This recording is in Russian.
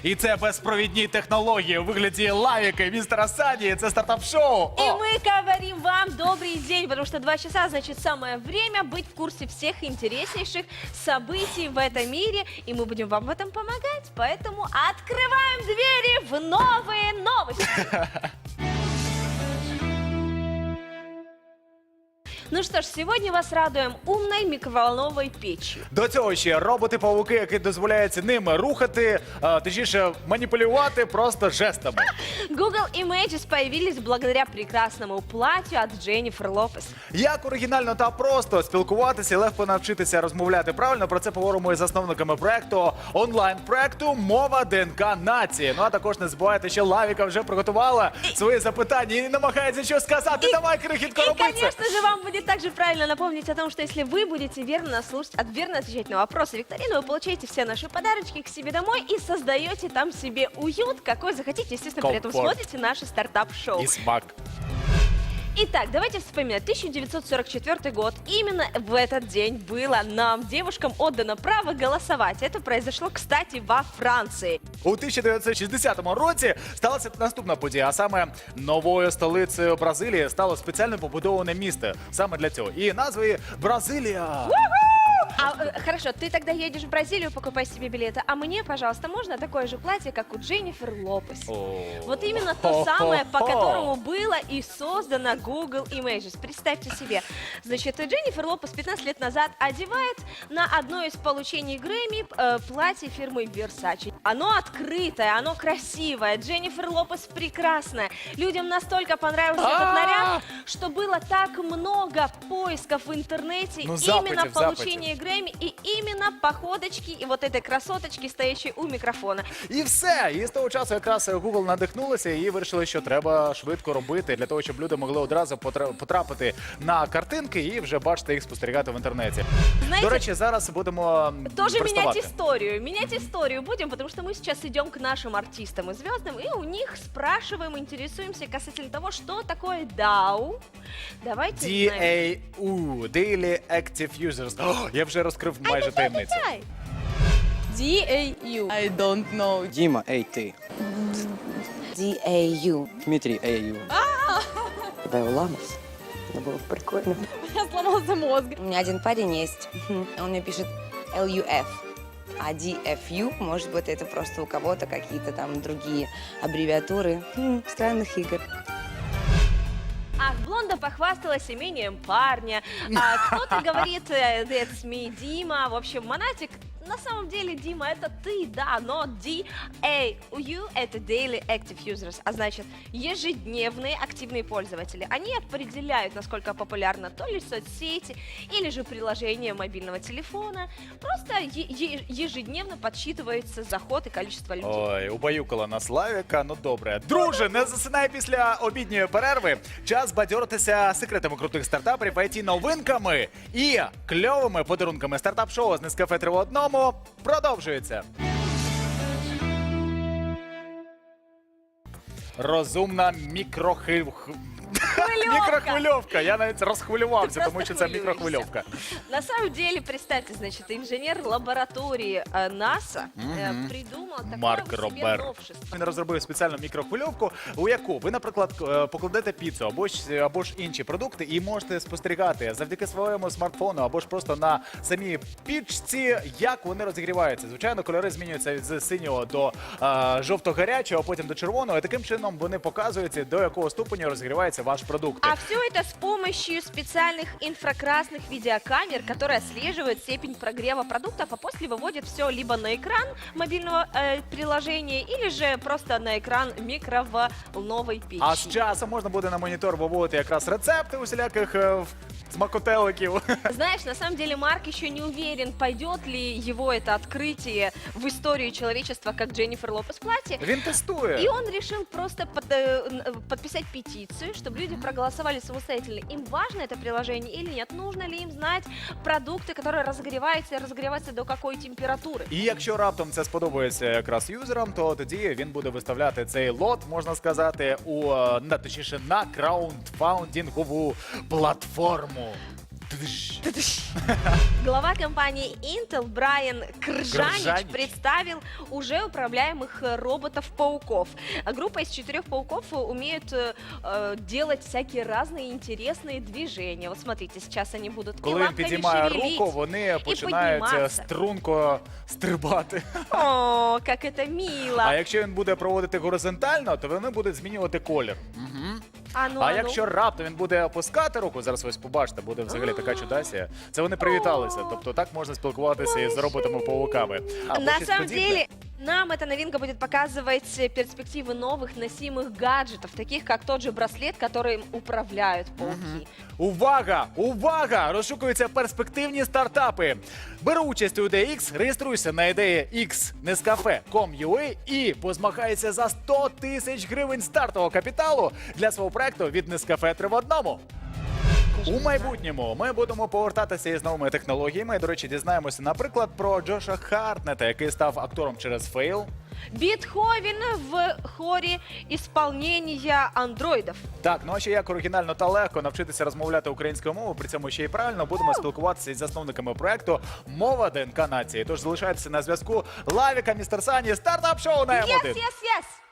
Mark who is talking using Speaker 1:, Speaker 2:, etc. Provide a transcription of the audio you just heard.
Speaker 1: І це безпровідні технології у вигляді лавіки містера Сані. Це стартап-шоу.
Speaker 2: И мы говорим вам добрый день, потому что 2 часа, значит, самое время быть в курсе всех интереснейших событий в этом мире, и мы будем вам в этом помогать, поэтому открываем двери в новые новости. Ну что ж, сегодня вас радуем умной микроволновой печью.
Speaker 1: До цього ще роботи-павуки, які дозволяють ними рухати, точніше маніпулювати просто жестами.
Speaker 2: Google Images появились благодаря прекрасному платью от Дженнифер Лопес.
Speaker 1: Як оригінально та просто спілкуватися і легко навчитися розмовляти правильно, про це поговоримо із засновниками проекту, онлайн-проекту «Мова ДНК нації». Ну а також не забувайте, що Лавіка вже приготувала свої запитання і намагається щось сказати. Давай, крихітко,
Speaker 2: И,
Speaker 1: роби це!
Speaker 2: конечно же, вам будет также правильно напомнить о том, что если вы будете верно отвечать на вопросы викторины, вы получаете все наши подарочки к себе домой и создаете там себе уют, какой захотите. Естественно, при этом
Speaker 1: Комфорт.
Speaker 2: смотрите наше стартап-шоу.
Speaker 1: І смак.
Speaker 2: Итак, давайте вспоминать. 1944 год. Именно в этот день было нам, девушкам, отдано право голосовать. Это произошло, кстати, во Франции.
Speaker 1: У 1960 році сталася наступна подія, а саме новою столицею Бразилії стало спеціально побудоване місто саме для цього. І назва її Бразилія.
Speaker 2: Хорошо, ты тогда едешь в Бразилию, покупай себе билеты, а мне, пожалуйста, можно такое же платье, как у Дженнифер Лопес. Вот именно то самое, по которому было и создано Google Images. Представьте себе, значит, Дженнифер Лопес 15 лет назад одевает на одно из получений Грэмми платье фирмы Versace. Оно открытое, оно красивое, Дженнифер Лопес прекрасная. Людям настолько понравился этот наряд, что было так много поисков в интернете именно в получении Грэмми и именно походочки и вот этой красоточки, стоящей у микрофона.
Speaker 1: І все. І з того часу якраз Google надихнулися і вирішили, що треба швидко робити для того, щоб люди могли одразу потрапити на картинки і вже бачити їх спостерігати в інтернеті.
Speaker 2: Знаете,
Speaker 1: До речі, зараз будемо
Speaker 2: тоже
Speaker 1: приставати.
Speaker 2: менять историю будем, потому что мы сейчас идем к нашим артистам и звездам, и у них спрашиваем, интересуемся касательно того, что такое DAU. Давайте узнаем.
Speaker 1: DAU, Daily Active Users. О, я вже розкрив майже таємницю.
Speaker 2: DAU.
Speaker 3: I don't know.
Speaker 4: Дима, эй ты.
Speaker 5: DAU.
Speaker 4: Дмитрий, эй ю.
Speaker 5: Ламус. Это было прикольно.
Speaker 3: Я сломался мозг.
Speaker 5: У меня один парень есть. Он мне пишет LUF. А DFU, может быть, это просто у кого-то какие-то там другие аббревиатуры странных игр.
Speaker 2: Ах, Блонда похвасталась имением парня, а кто-то говорит «That's me, Дима». В общем, Монатик, на самом деле, Дима, это ты, да, но DAU – это Daily Active Users, а значит, ежедневные активные пользователи. Они определяют, насколько популярна то ли соцсети, или же приложение мобильного телефона. Просто ежедневно подсчитывается заход и количество людей.
Speaker 1: Ой, убаюкала нас Лавіка, ну добре. Друже, не засинай після обідньої перерви. Час бадьоритися секретами крутих стартаперів, IT-новинками і кльовими подарунками. Стартап-шоу з Нескафе 3 в одному продовжується. Розумна мікрохвильовка. Я навіть розхвилювався,
Speaker 2: Ты
Speaker 1: тому
Speaker 2: просто
Speaker 1: що це
Speaker 2: хвилюешься.
Speaker 1: мікрохвильовка.
Speaker 2: На самом деле, представьте, значит, инженер лаборатории НАСА придумал такое
Speaker 1: Марк
Speaker 2: себе
Speaker 1: Робер.
Speaker 2: новшество.
Speaker 1: Він розробив спеціальну мікрохвильовку, у яку ви, наприклад, покладете піцу або ж інші продукти і можете спостерігати завдяки своєму смартфону або ж просто на самій пічці, як вони розігріваються. Звичайно, кольори змінюються з синього до жовто-гарячого, а потім до червоного. І таким чином вони показують, до якого ступеню розігрівається ваш продукт.
Speaker 2: А все это с помощью специальных инфракрасных видеокамер, которые отслеживают степень прогрева продуктов, а после выводят все либо на экран мобильного приложения, или же просто на экран микроволновой печи.
Speaker 1: А з часом можна буде на монітор виводити якраз рецепти усіляких смакотеликів.
Speaker 2: Знаешь, на самом деле Марк еще не уверен, пойдет ли его это открытие в историю человечества, как Дженнифер Лопес платье.
Speaker 1: Він тестує.
Speaker 2: И он решил просто подписать петицию, чтобы люди проголосовали самостоятельно. Им важно это приложение или нет? Нужно ли им знать продукты, которые разогреваются и разогреваются до какой температуры?
Speaker 1: І якщо раптом це сподобається якраз юзерам, то тоді він буде виставляти цей лот, можна сказати, точніше на краундфаундінгову платформу.
Speaker 2: Глава компании Intel Брайан Кржанич
Speaker 1: Кржанич.
Speaker 2: представил уже управляемых роботов-пауков. Группа из 4 пауков умеют делать всякие разные интересные движения. Вот смотрите, сейчас они будут и
Speaker 1: Коли він
Speaker 2: лапками
Speaker 1: підіймає
Speaker 2: шевелить,
Speaker 1: руку, вони починають
Speaker 2: підніматися.
Speaker 1: струнко стрибати.
Speaker 2: О, как это мило.
Speaker 1: А якщо він буде проводити горизонтально, то вони будуть змінювати колір.
Speaker 2: А ну,
Speaker 1: А
Speaker 2: а ну.
Speaker 1: якщо раптом він буде опускати руку, зараз ось побачите, буде взагалі така чудасія. Це вони привіталися. Тобто так можна спілкуватися із роботами-пауками. Або
Speaker 2: На
Speaker 1: щось
Speaker 2: самом
Speaker 1: подібне.
Speaker 2: деле, нам эта новинка будет показывать перспективы новых носимых гаджетов, таких как тот же браслет, которым управляют пауки.
Speaker 1: Увага! Увага! Розшукуються перспективні стартапи. Бери участь у ідеї X, реєструйся на ідеї X.Nescafe.com.ua і позмагайся за 100 тисяч гривень стартового капіталу для свого проекту від Nescafe 3 в одному. У майбутньому ми будемо повертатися із новими технологіями. До речі, дізнаємося, наприклад, про Джоша Хартнета, який став актором через фейл.
Speaker 2: Бетховен в хоре исполнения андроидов.
Speaker 1: Так, ну а ще як оригінально та легко навчитися розмовляти українською мовою, при цьому ще й правильно будемо спілкуватися із засновниками проекту «Мова ДНК нації». Тож залишайтеся на зв'язку. Лавіка, містер Сані, стартап-шоу на М1.
Speaker 2: Yes.